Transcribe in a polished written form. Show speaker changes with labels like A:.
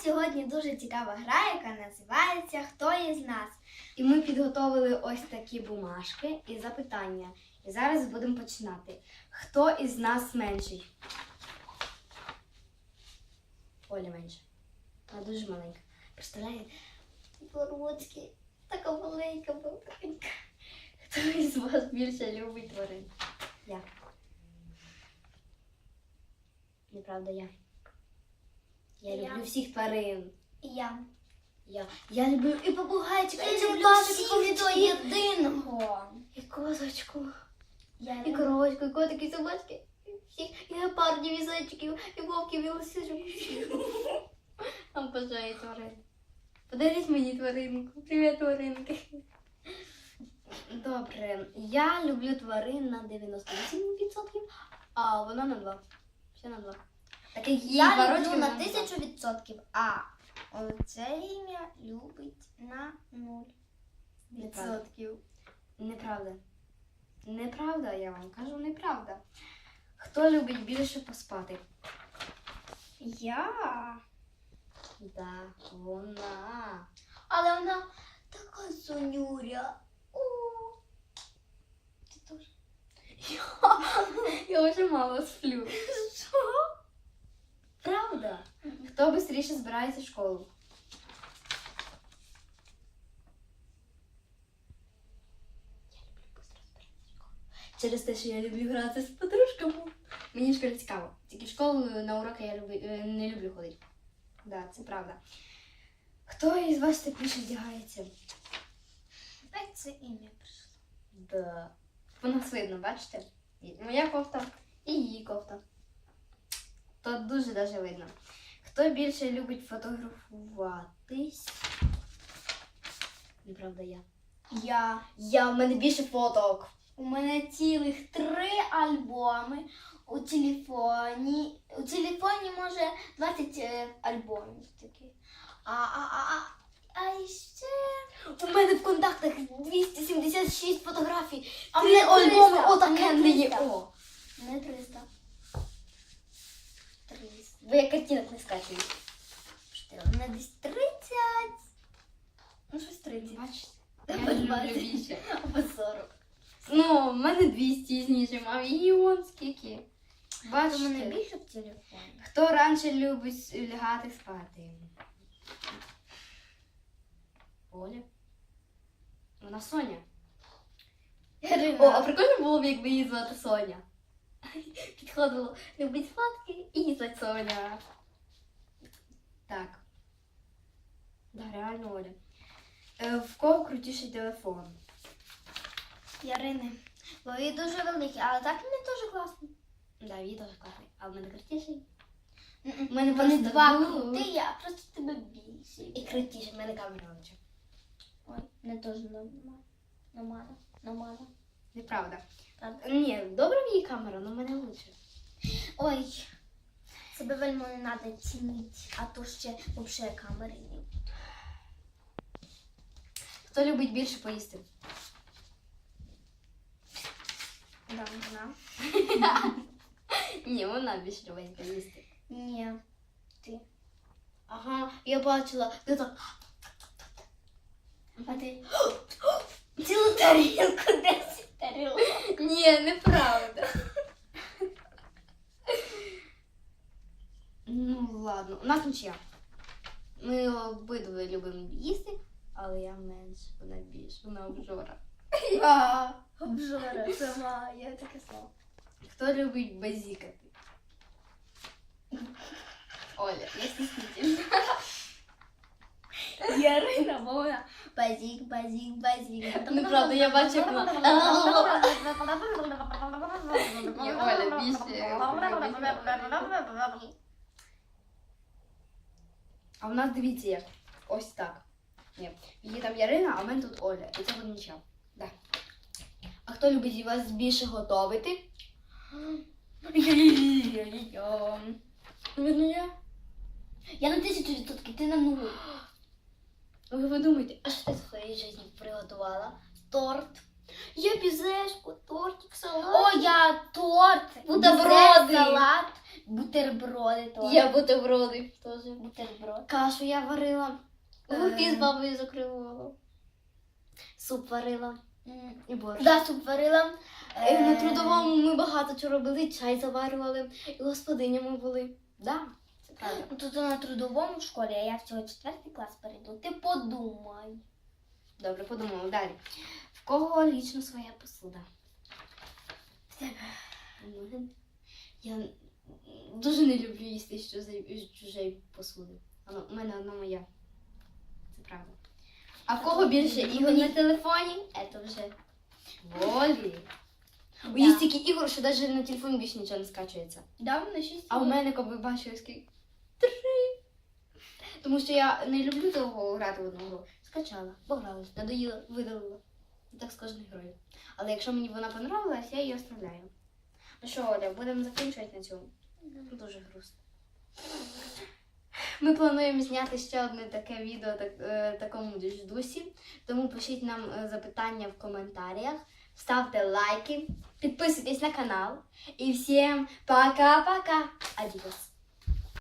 A: сьогодні дуже цікава гра, яка називається «Хто із нас?».
B: І ми підготовили ось такі бумажки і запитання. І зараз будемо починати. Хто із нас менший? Оля менша. Вона дуже маленька. Представляєте?
A: Бородський, така маленька маленька.
B: Хто із вас більше любить тварин? Я. Неправда, я. Я люблю всіх тварин.
A: І я.
B: Я люблю і попугайчика, і
A: люблю
B: чебурашки,
A: до єдиного.
B: і козочку,
A: Я
B: і коровочку, і котики, і собачки, і всіх, і гепардів, і зайчиків, і вовків, і лисичок. Обожаю тварин. Подаріть мені тваринку. Привіт, тваринки. Добре, я люблю тварин на 98%, а вона на 2%. Ще на 2%. Так як їй 2
A: люблю
B: рочки,
A: на
B: вона
A: 1000%, а оце ім'я любить на 0%.
B: Неправда. Неправда, я вам кажу, неправда. Хто любить більше поспати?
A: Я.
B: Да, вона.
A: Але вона така сонюря. О, ти теж.
B: Я вже мало сплю.
A: Що?
B: Правда? Хто швидше збирається в школу? Через те, що я люблю грати з подружками. Мені в школі цікаво. Тільки в школу на уроки я не люблю ходити. Да, це правда. Хто із вас тепліше вдягається?
A: Опять це ім'я прийшло.
B: Да. По нас видно, бачите? Моя кофта і її кофта. То дуже даже видно. Хто більше любить фотографуватись? Неправда, я. В мене більше фоток.
A: У мене цілих 3 альбоми у телефоні. У телефоні може 20 альбомів таких. А ще
B: У мене в контактах 276 фотографій.
A: А в
B: 3
A: мене 300,
B: альбоми
A: в
B: отаке
A: мене
B: не є.
A: 300.
B: О,
A: не 300. 300.
B: ви як картинок не скачуєте.
A: У мене десь 30. Ну, щось 30.
B: Бачите?
A: Я
B: Я люблю
A: бачу.
B: більше.
A: Або 40.
B: Ну, в мене 200 знижимо, а її вон скільки.
A: У
B: Бачите?
A: мене більше в телефоні.
B: Хто раніше любить лягати спати? Оля. Вона Соня. О, а прикольно було б, якби її звати Соня. Підходило, любить спадки і її звати Соня. Так. Да, реально Оля. В кого крутіший телефон?
A: Ярини. Бо він дуже великий, але так він дуже класний.
B: Да, її дуже класний. А в мене крутіший?
A: У
B: мене
A: вони
B: просто
A: два
B: було.
A: крути, я просто тебе більше.
B: І крутіший, в мене камера лучше.
A: Ой, не теж нормально.
B: Неправда.
A: Правда?
B: Ні, добра в її камера, але в мене лучше.
A: Ой, себе вельми не треба цінити, а то ще взагалі камери ні.
B: Хто любить більше поїсти?
A: Да, вона.
B: Ні, вона більше любить поїсти.
A: Ні, ти.
B: Ага, я бачила. Ти так.
A: А ти цілу тарілку 10 тарілок.
B: Ні, неправда. Ну, ладно. У нас нічия. Ми обидва любимо їсти, але я менше, вона більше, вона обжора.
A: Обжора, сама, я таке слово.
B: Хто любить базікати? Оля, я стіснительна.
A: Ярина, вона базік.
B: Неправда, я бачу, як вона. Ні, Оля більше. А в нас дивіться як. Ось так. Ні. Її там Ярина, а в мене тут Оля. І це буде нічого. Да. А хто любить вас більше готувати? Видно я?
A: Я на 1000%, ти на 0.
B: Ви думаєте, а що ти в своїй житті приготувала?
A: Торт.
B: Я пізешку, тортик, салат.
A: О, я торт,
B: Бутерброди.
A: салат, Бутерброди теж.
B: Я бутерброди теж.
A: Бутерброд.
B: Кашу я варила. Гурки з бабою закривала. Суп варила. І борщ.
A: Да, суп варила.
B: На трудовому ми багато чого робили, чай заварювали, і господинями були. Да, це правда.
A: Ну, тут на трудовому в школі, а я всього 4 клас перейду. Ти подумай.
B: Добре, подумала. Далі. В кого лічно своя посуда?
A: В тебе.
B: У мене. Я дуже не люблю їсти з чужої посуди. У мене одна моя. Це правда. А в кого більше ігор на телефоні? Це вже волі.
A: Да.
B: Є стільки ігор, що навіть на телефоні більше нічого не скачується.
A: Да, на 6.
B: А у мене, як ви бачили, скільки? 3. Тому що я не люблю довго грати в одну гру. Скачала, погралась, надоїла, видалила. Так з кожною грою. Але якщо мені вона понравилась, я її оставляю. Ну що, Оля, будемо закінчувати на цьому. Дуже грустно. Ми плануємо зняти ще одне таке відео такому ж дусі. Тому пишіть нам запитання в коментарях, ставте лайки, підписуйтесь на канал. І всім пока-пока! Адіос!